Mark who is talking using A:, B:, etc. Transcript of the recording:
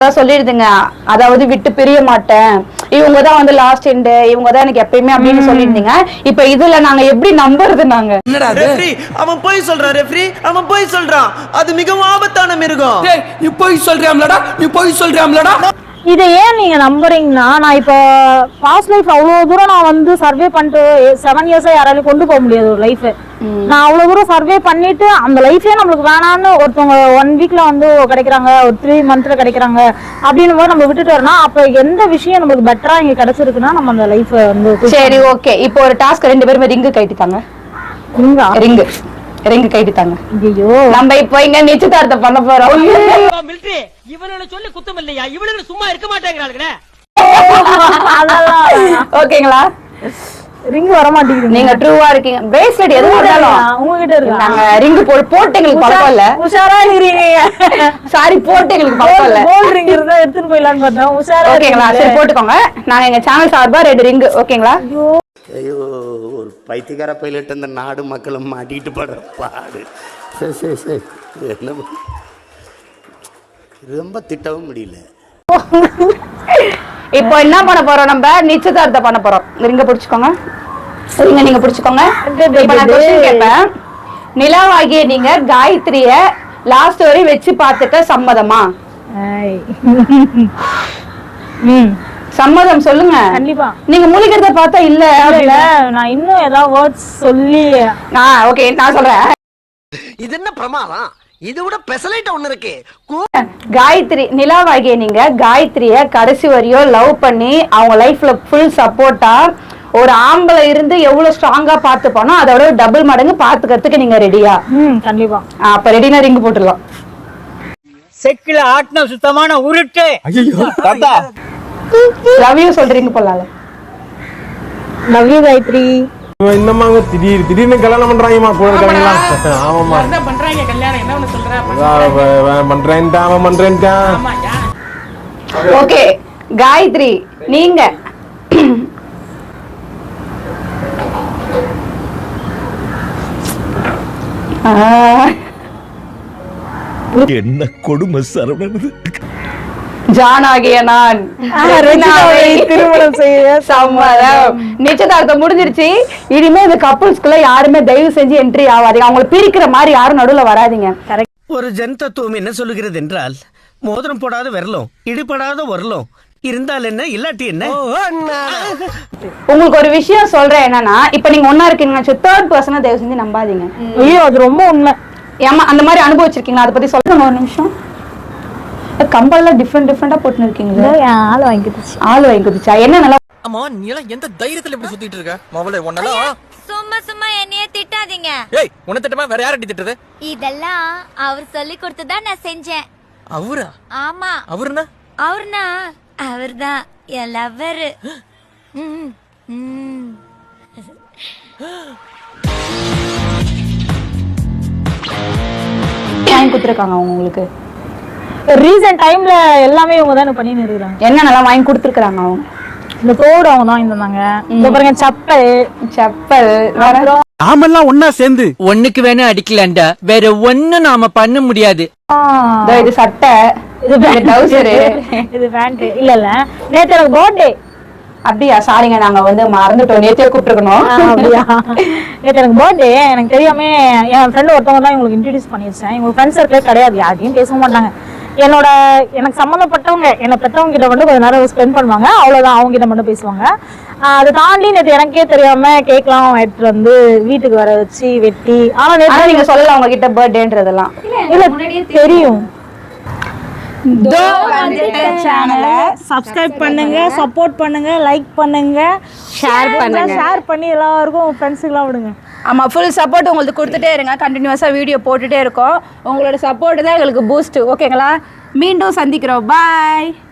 A: சொல்லிடுதுங்க. அதாவது விட்டு பிரிய மாட்டேன், இவங்க தான் வந்து லாஸ்ட் எண்ட், இவங்க தான் எனக்கு எப்பயுமே அப்படின்னு சொல்லிருந்தீங்க. இப்ப இதுல நாங்க எப்படி நம்புறது? நாங்க
B: அவன் போய் சொல்றான் ரெஃப்ரி, அவன் போய் சொல்றான். அது மிகவும் ஆபத்தான மிருகம்.
C: நீ போய் சொல்றியாம்லடா, நீ போய் சொல்றியாம்லடா.
D: இதை ஏன் நீங்க நம்புறீங்கன்னா, நான் இப்போ பாஸ்ட் லைஃப் அவ்வளவு தூரம் நான் வந்து சர்வே பண்ணிட்டு 7 இயர்ஸா யாராலையும் கொண்டு போக முடியாது ஒரு லைஃப். நான் அவ்வளவு தூரம் சர்வே பண்ணிட்டு அந்த லைஃபே நம்மளுக்கு வேணான்னு ஒருத்தவங்க 1 வீக்ல வந்து கிடைக்கிறாங்க, ஒரு 3 மந்த்ல கிடைக்கிறாங்க அப்படின்னு போது நம்ம விட்டுட்டு வரணும். அப்ப எந்த விஷயம் நம்மளுக்கு பெட்டரா இங்க கிடைச்சிருக்குன்னா நம்ம அந்த லைஃப் வந்து.
A: சரி ஓகே, இப்போ ஒரு டாஸ்க் 2 பேருமே ரிங்கு கைட்டிட்டாங்க. ரிங்கு கைட்டிட்டாங்க.
D: ஐயோ, நம்ம
A: இப்போ இங்க நிச்சயதார்த்தம் பண்ண போறோம்.
E: மிலிட்டரி இவனுல சொல்லி குத்தம் இல்லையா, இவனுக்கு சும்மா இருக்க மாட்டேங்கிறாளுங்களே.
A: ஓகேங்களா?
D: ரிங் வர மாட்டேங்குது.
A: நீங்க ட்ரூவா இருக்கீங்க. பிரேஸ்லெட் எதுவும் இருந்தாலும்
D: உங்ககிட்ட இருக்கு.
A: நாங்க ரிங் போட்டு எங்களுக்கு பழக்கம் இல்ல.
D: உஷாரா இருக்கீங்க.
A: சாரி, போட்டு எங்களுக்கு பழக்கம் இல்ல.
D: கோல்ட் ரிங் இருந்தா எடுத்துட்டு போயிடலாம்னு பார்த்தோம். உஷாரா
A: ஓகேங்களா? சரி போட்டுக்கோங்க. நாங்க எங்க சேனல் சார்பா 2 ரிங். ஓகேங்களா?
F: ஐயோ, ஒரு பைத்தியக்கார பைலட் இந்த நாடு மக்களும் மாட்டிட்டு படுற பாடு. சரி என்ன ரொம்ப திட்டவும் முடியல.
A: இப்போ என்ன பண்ண போறோம்? நம்ம நிச்சயதார்த்தம் பண்ண போறோம். ரிங்க பிடிச்சுக்கோங்க. ரிங்க நீங்க பிடிச்சுக்கோங்க. இப்போ நான் क्वेश्चन கேட்பேன். நிலாவாகிய நீங்க காயத்ரிய லாஸ்ட் வரை வச்சு பார்த்துக்க சம்மதமா? சம்மதம் சொல்லுங்க.
D: கண்டிப்பா.
A: நீங்க முழிக்கிறத பார்த்தா இல்ல அப்படில.
D: நான் இன்னும் ஏதாவது வேர்ட்ஸ் சொல்லி
A: ஓகே நான் சொல்றேன்.
B: இது என்ன பிரமாதம்? இது விட பெசலைட் ஒண்ணு இருக்கு.
A: காயத்ரி, நிலாவாகிய நீங்க காயத்ரிய கடைசி வரையும் லவ் பண்ணி அவங்க லைஃப்ல ஃபுல் சப்போர்ட்டா ஒரு ஆம்பளை இருந்து எவ்வளவு ஸ்ட்ராங்கா பார்த்து போனோம், அதோட டபுள் மடங்கு பார்த்துக்கிறதுக்கு நீங்க ரெடியா?
D: கண்டிப்பா.
A: அப்ப ரெடினா ரிங் போட்டுடலாம்.
E: செக்கில ஆட்டின சுத்தமான உருட்டு.
C: ஐயோ தாத்தா,
A: லவ் யூ சொல்றீங்க போலால.
D: Love you Gayathri.
C: இன்னமாங்க திடீர்னு கல்யாணம் பண்றாங்கம்மா கூட இருக்காங்களா? ஆமாம்மா
E: என்ன பண்றாங்க கல்யாணம்? என்ன ஒண்ணு சொல்ற?
C: பண்றேன்டா அவன் பண்றேன்டா.
A: ஓகே காயத்ரி, நீங்க
G: என்ன கொடுமை சரவணன்.
A: ஜானாகிய நான்
D: திருமணம் செய்ய
A: சம்மதம். நிச்சயதார்த்தம் முடிஞ்சிருச்சு. இனிமே இந்த கப்புள்ஸ்குள்ள யாருமே தயவு செஞ்சு என்ட்ரி ஆகாதீங்க. அவங்களை பிரிக்கிற மாதிரி யாரும் நடுவுல வராதீங்க.
B: ஒரு ஜன் தத்துவம் என்ன சொல்லுகிறது என்றால், மோதிரம் போடாத விரலும் இடிபடாத வரலும் இருந்தால் என்ன இல்லாட்டி என்ன.
A: உங்களுக்கு ஒரு விஷயம் சொல்றேன் என்னன்னா, இப்ப நீங்க ஒன்னா இருக்கீங்க, 3rd பர்சனை தயவு செஞ்சு நம்பாதீங்க.
D: ஐயோ, அது ரொம்ப உண்மை.
A: ஏமா அந்த மாதிரி அனுபவிச்சிருக்கீங்களா? அதை பத்தி சொல்லுங்க ஒரு நிமிஷம். கம்பல்லாம் டிஃபரெண்டா போட்டு இருக்கீங்களா?
D: ஆள் வாங்கிடுச்சு.
A: ஆள் வாங்கிடுச்சா? என்ன நல்லா.
B: அம்மா நீ எல்லாம் எந்த தைரியத்துல இப்படி சுத்திட்டு இருக்க? மாவளே ஒண்ணலாம்
H: சும்மா என்னைய திட்டாதீங்க.
B: ஏய், உன்னை திட்டமா வேற யாரடி திட்டது?
H: இதெல்லாம் அவர் சொல்லி கொடுத்ததா நான் செஞ்சேன்.
B: அவரா?
H: ஆமா. அவர்னா அவர்தான் என் லவ்வர்.
A: வாங்கி கொடுத்துருக்காங்க உங்களுக்கு?
D: ரீசன்ட் டைம்ல எல்லாமே இவங்க தான் பண்ணிட்டு இருக்காங்க.
A: என்ன நல்லா வாங்கி கொடுத்துருக்காங்க அவங்க?
D: இந்த தோடு அவங்க தான் இருந்தாங்க. இந்த பாருங்க, செப்பல்
C: நாமெல்லாம் ஒன்னா சேர்ந்து
E: ஒண்ணுக்கு வேணா அடிக்கலாம்டா, வேற ஒண்ணு நாம பண்ண முடியாது.
A: இது சட்டை, இது ட்ரவுசர்,
D: இது பேண்ட். இல்ல நேத்து எனக்கு பர்த்டே.
A: அப்படியா? சாரிங்க, நாங்க வந்து மறந்துட்டோம். நேத்தே கூப்பிட்டுருக்கணும்.
D: அப்படியா? நேத்து எனக்கு பர்த்டே. எனக்கு தெரியாம என் ஃப்ரெண்ட் ஒருத்தவங்க தான் உங்களுக்கு இன்ட்ரடியூஸ் பண்ணி வச்சேன். எங்க ஃப்ரெண்ட் சர்க்கிளே கிடையாது, யாரையும் பேச மாட்டாங்க. எனக்கு சம்மந்தப்பட்டவங்க என்ன பெற்றவங்க கிட்ட மட்டும் கொஞ்ச நேரம் ஸ்பெண்ட் பண்ணுவாங்க, அவ்வளவுதான். அவங்க கிட்ட மட்டும் பேசுவாங்க. அதை தாண்டி நேற்று எனக்கே தெரியாம கேக்லாம் எடுத்துட்டு வந்து வீட்டுக்கு வர வச்சு வெட்டி. ஆனா நேற்று
A: நீங்க சொல்லல அவங்க கிட்ட பர்த்டேன்றதெல்லாம்?
D: இல்ல, தெரியும்.
A: சேனலை
D: சப்ஸ்கிரைப் பண்ணுங்க, சப்போர்ட் பண்ணுங்க, லைக் பண்ணுங்க, ஷேர் பண்ணி எல்லாருக்கும் ஃப்ரெண்ட்ஸுக்கெல்லாம் விடுங்க.
A: ஆமா, ஃபுல் சப்போர்ட் உங்களுக்கு கொடுத்துட்டே இருங்க. கண்டினியூஸா வீடியோ போட்டுட்டே இருக்கோம். உங்களோட சப்போர்ட் தான் எங்களுக்கு பூஸ்ட். ஓகேங்களா? மீண்டும் சந்திக்கிறோம். பாய்.